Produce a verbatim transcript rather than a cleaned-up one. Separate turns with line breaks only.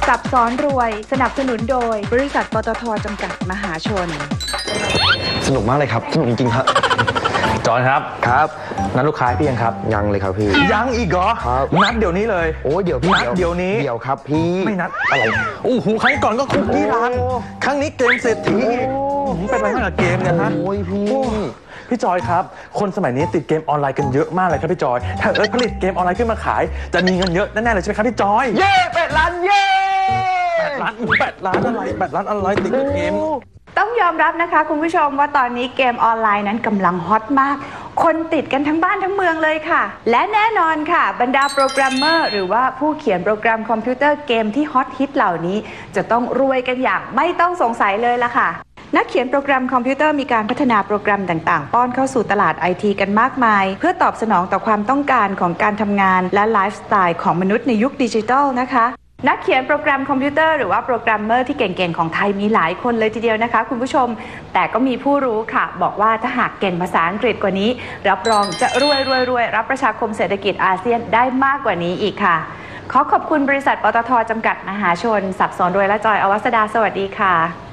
สับซ้อนรวยสนับสนุนโดยบริษัทปตท.จำกัดมหาชน
สนุกมากเลยครับสนุกจริงๆครับ
จอนครับ
ครับ
นัดลูกค้าพี่ยังครับ
ยังเลยครับพี่
ยังอีกเหรอ
ครับ
นัดเดี๋ยวนี้เลย
โอ้เดี๋ยวพี่
นัดเดี๋ยวนี้
เดี๋ยวครับพี่
ไม่นัดอะไรโอ้โหครั้งก่อนก็คุกกี้รันครั้งนี้เกมเศรษฐีเป็นอะไรมากกับเกมเนี่ยฮะ
โอ้ยพี่
พี่จอยครับคนสมัยนี้ติดเกมออนไลน์กันเยอะมากเลยครับพี่จอยถ้าเอิร์ธผลิตเกมออนไลน์ขึ้นมาขายจะมีเงินเยอะแน่ๆเลยใช่ไหมครับพี่จอย
เย้แปดล้านเย้
แปดล้านแปดล้านอะไรแปดล้านอะไรติดเกม
ต้องยอมรับนะคะคุณผู้ชมว่าตอนนี้เกมออนไลน์นั้นกำลังฮอตมากคนติดกันทั้งบ้านทั้งเมืองเลยค่ะและแน่นอนค่ะบรรดาโปรแกรมเมอร์หรือว่าผู้เขียนโปรแกรมคอมพิวเตอร์เกมที่ฮอตฮิตเหล่านี้จะต้องรวยกันอย่างไม่ต้องสงสัยเลยล่ะค่ะนักเขียนโปรแกรมคอมพิวเตอร์มีการพัฒนาโปรแกรมต่างๆป้อนเข้าสู่ตลาด ไอ ที กันมากมายเพื่อตอบสนองต่อความต้องการของการทำงานและไลฟ์สไตล์ของมนุษย์ในยุคดิจิทัลนะคะนักเขียนโปรแกรมคอมพิวเตอร์หรือว่าโปรแกรมเมอร์ที่เก่งๆของไทยมีหลายคนเลยทีเดียวนะคะคุณผู้ชมแต่ก็มีผู้รู้ค่ะบอกว่าถ้าหากเก่งภาษาอังกฤษกว่านี้รับรองจะรวยรวยรวยรับประชาคมเศรษฐกิจอาเซียนได้มากกว่านี้อีกค่ะขอขอบคุณบริษัทปตท.จำกัดมหาชนสับสนรวยและจอยอวัสดาสวัสดีค่ะ